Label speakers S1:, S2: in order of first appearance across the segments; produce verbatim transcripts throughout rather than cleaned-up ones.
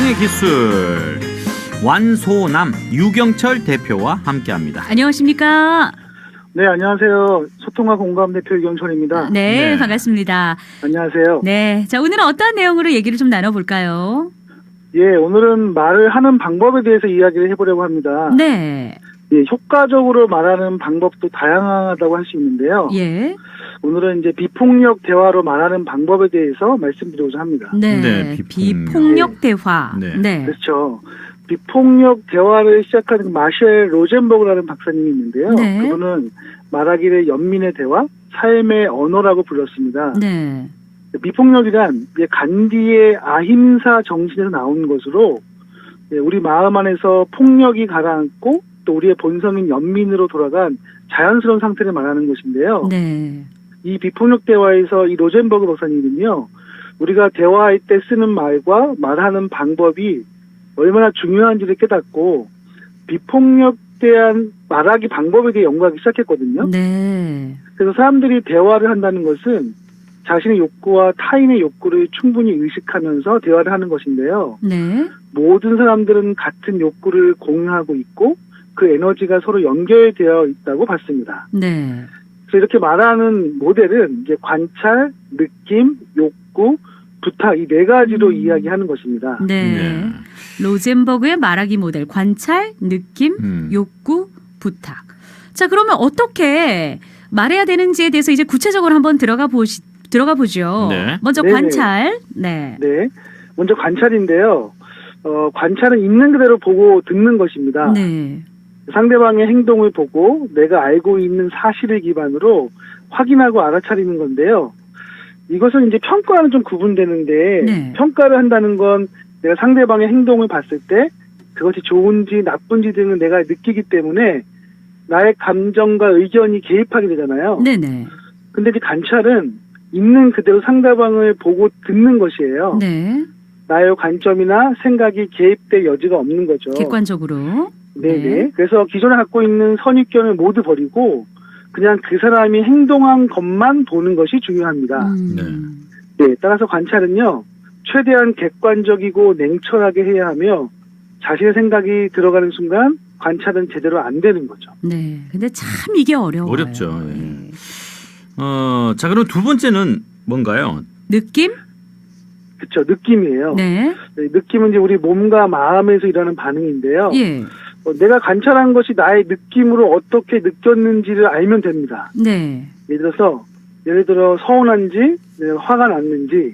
S1: 소통의 기술 완소남 유경철 대표와 함께합니다.
S2: 안녕하십니까?
S3: 네, 안녕하세요. 소통과 공감 대표 유경철입니다.
S2: 네,
S1: 네.
S2: 반갑습니다.
S3: 안녕하세요.
S2: 네, 자 오늘은 어떤 내용으로 얘기를 좀 나눠볼까요?
S3: 예, 오늘은 말을 하는 방법에 대해서 이야기를 해보려고 합니다.
S2: 네,
S3: 예, 효과적으로 말하는 방법도 다양하다고 할 수 있는데요.
S2: 예,
S3: 오늘은 이제 비폭력 대화로 말하는 방법에 대해서 말씀드리고자 합니다.
S2: 네,
S1: 네, 비폭력.
S2: 비폭력 대화.
S1: 네.
S2: 네,
S3: 그렇죠. 비폭력 대화를 시작하는 마셸 로젠버그라는 박사님이 있는데요.
S2: 네.
S3: 그분은 말하기를 연민의 대화, 삶의 언어라고 불렀습니다.
S2: 네,
S3: 비폭력이란 이제 간디의 아힘사 정신에서 나온 것으로 우리 마음 안에서 폭력이 가라앉고 또 우리의 본성인 연민으로 돌아간 자연스러운 상태를 말하는 것인데요.
S2: 네,
S3: 이 비폭력 대화에서 이 로젠버그 박사님은요, 우리가 대화할 때 쓰는 말과 말하는 방법이 얼마나 중요한지를 깨닫고 비폭력 대한 말하기 방법에 대해 연구하기 시작했거든요.
S2: 네,
S3: 그래서 사람들이 대화를 한다는 것은 자신의 욕구와 타인의 욕구를 충분히 의식하면서 대화를 하는 것인데요.
S2: 네,
S3: 모든 사람들은 같은 욕구를 공유하고 있고 그 에너지가 서로 연결되어 있다고 봤습니다.
S2: 네,
S3: 그래서 이렇게 말하는 모델은 이제 관찰, 느낌, 욕구, 부탁 이 네 가지로
S2: 음.
S3: 이야기하는 것입니다.
S2: 네.
S1: 네.
S2: 로젠버그의 말하기 모델 관찰, 느낌,
S1: 음.
S2: 욕구, 부탁. 자, 그러면 어떻게 말해야 되는지에 대해서 이제 구체적으로 한번 들어가 보시 들어가 보죠.
S1: 네.
S2: 먼저
S3: 네네.
S2: 관찰. 네.
S3: 네, 먼저 관찰인데요. 어, 관찰은 있는 그대로 보고 듣는 것입니다.
S2: 네.
S3: 상대방의 행동을 보고 내가 알고 있는 사실을 기반으로 확인하고 알아차리는 건데요. 이것은 이제 평가와는 좀 구분되는데
S2: 네.
S3: 평가를 한다는 건 내가 상대방의 행동을 봤을 때 그것이 좋은지 나쁜지 등을 내가 느끼기 때문에 나의 감정과 의견이 개입하게 되잖아요.
S2: 네네.
S3: 근데 이제 관찰은 있는 그대로 상대방을 보고 듣는 것이에요.
S2: 네.
S3: 나의 관점이나 생각이 개입될 여지가 없는 거죠.
S2: 객관적으로.
S3: 네네.
S2: 네.
S3: 그래서 기존에 갖고 있는 선입견을 모두 버리고 그냥 그 사람이 행동한 것만 보는 것이 중요합니다.
S2: 음.
S3: 네. 따라서 관찰은요, 최대한 객관적이고 냉철하게 해야 하며 자신의 생각이 들어가는 순간 관찰은 제대로 안 되는 거죠.
S2: 네. 근데 참 이게 어려워요.
S1: 어렵죠. 예.
S2: 네.
S1: 어, 자 그럼 두 번째는 뭔가요?
S2: 느낌?
S3: 그렇죠. 느낌이에요.
S2: 네.
S3: 네, 느낌은 이제 우리 몸과 마음에서 일어나는 반응인데요.
S2: 예.
S3: 어, 내가 관찰한 것이 나의 느낌으로 어떻게 느꼈는지를 알면 됩니다.
S2: 네.
S3: 예를 들어서 예를 들어 서운한지 내가 화가 났는지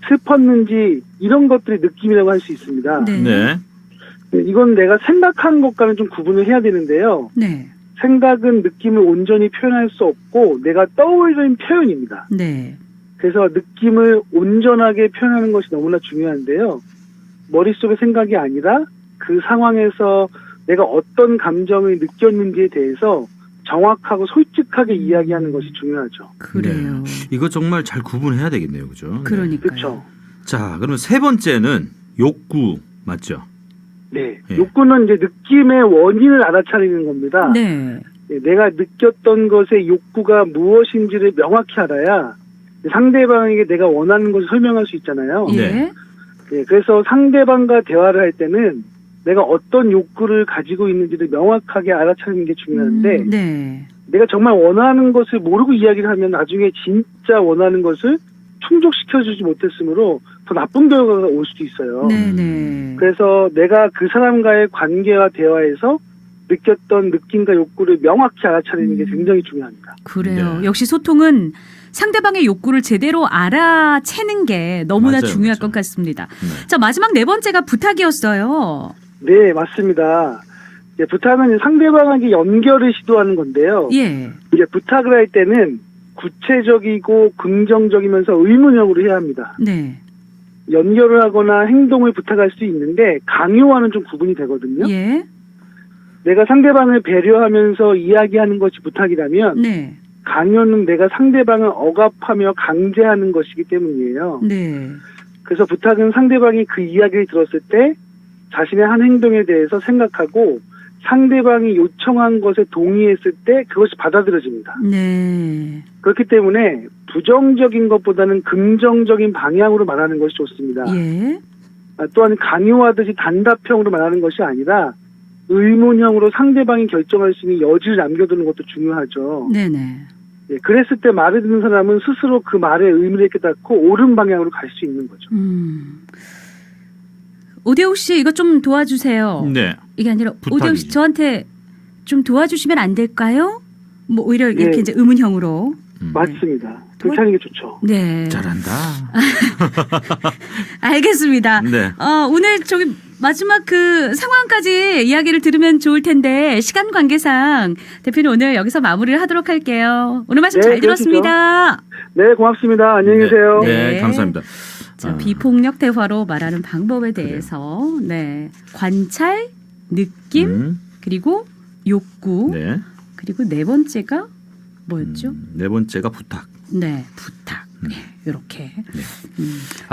S3: 슬펐는지 이런 것들이 느낌이라고 할 수 있습니다.
S2: 네.
S1: 네.
S3: 네, 이건 내가 생각한 것과는 좀 구분을 해야 되는데요.
S2: 네.
S3: 생각은 느낌을 온전히 표현할 수 없고 내가 떠올리는 표현입니다.
S2: 네.
S3: 그래서 느낌을 온전하게 표현하는 것이 너무나 중요한데요. 머릿속의 생각이 아니라 그 상황에서 내가 어떤 감정을 느꼈는지에 대해서 정확하고 솔직하게 이야기하는 것이 중요하죠.
S2: 그래요.
S1: 네. 이거 정말 잘 구분해야 되겠네요, 그죠?
S2: 그러니까요.
S3: 그렇죠.
S1: 자, 그러면 세 번째는 욕구 맞죠?
S3: 네.
S1: 예.
S3: 욕구는 이제 느낌의 원인을 알아차리는 겁니다.
S2: 네.
S3: 네, 내가 느꼈던 것의 욕구가 무엇인지를 명확히 알아야 상대방에게 내가 원하는 것을 설명할 수 있잖아요.
S2: 예.
S1: 네.
S3: 네, 그래서 상대방과 대화를 할 때는 내가 어떤 욕구를 가지고 있는지를 명확하게 알아차리는 게 중요한데
S2: 음, 네.
S3: 내가 정말 원하는 것을 모르고 이야기를 하면 나중에 진짜 원하는 것을 충족시켜주지 못했으므로 더 나쁜 결과가 올 수도 있어요.
S2: 네네.
S3: 그래서 내가 그 사람과의 관계와 대화에서 느꼈던 느낌과 욕구를 명확히 알아차리는 게
S2: 음.
S3: 굉장히 중요합니다.
S2: 그래요.
S1: 네.
S2: 역시 소통은 상대방의 욕구를 제대로 알아채는 게 너무나
S1: 맞아요,
S2: 중요할
S1: 맞아요.
S2: 것 같습니다.
S1: 네.
S2: 자, 마지막 네 번째가 부탁이었어요.
S3: 네, 맞습니다. 이제 부탁은 상대방에게 연결을 시도하는 건데요.
S2: 예.
S3: 이제 부탁을 할 때는 구체적이고 긍정적이면서 의문형으로 해야 합니다.
S2: 네.
S3: 연결을 하거나 행동을 부탁할 수 있는데 강요와는 좀 구분이 되거든요.
S2: 예.
S3: 내가 상대방을 배려하면서 이야기하는 것이 부탁이라면
S2: 네.
S3: 강요는 내가 상대방을 억압하며 강제하는 것이기 때문이에요.
S2: 네.
S3: 그래서 부탁은 상대방이 그 이야기를 들었을 때 자신의 한 행동에 대해서 생각하고 상대방이 요청한 것에 동의했을 때 그것이 받아들여집니다.
S2: 네.
S3: 그렇기 때문에 부정적인 것보다는 긍정적인 방향으로 말하는 것이 좋습니다.
S2: 예.
S3: 아, 또한 강요하듯이 단답형으로 말하는 것이 아니라 의문형으로 상대방이 결정할 수 있는 여지를 남겨두는 것도 중요하죠.
S2: 네네.
S3: 예, 그랬을 때 말을 듣는 사람은 스스로 그 말의 의미를 깨닫고 옳은 방향으로 갈 수 있는 거죠.
S2: 음. 오대욱 씨 이거 좀 도와주세요.
S1: 네.
S2: 이게 아니라 오대욱 씨
S1: 부탁이죠.
S2: 저한테 좀 도와주시면 안 될까요? 뭐 오히려 이렇게
S3: 예.
S2: 이제 의문형으로.
S1: 음.
S3: 맞습니다. 그렇게 하는 게 좋죠.
S2: 네.
S1: 잘한다.
S2: 알겠습니다.
S1: 네.
S2: 어, 오늘 저기 마지막 그 상황까지 이야기를 들으면 좋을 텐데 시간 관계상 대표님 오늘 여기서 마무리를 하도록 할게요. 오늘 말씀
S3: 네,
S2: 잘 들었습니다.
S3: 네, 고맙습니다. 안녕히 계세요.
S1: 네,
S2: 네.
S1: 감사합니다.
S2: 자,
S1: 아.
S2: 비폭력 대화로 말하는 방법에 대해서 네 관찰, 느낌
S1: 음,
S2: 그리고 욕구
S1: 네.
S2: 그리고 네 번째가 뭐였죠?
S1: 음, 네 번째가 부탁.
S2: 네 부탁
S1: 음.
S2: 네, 이렇게.
S1: 네.
S2: 음.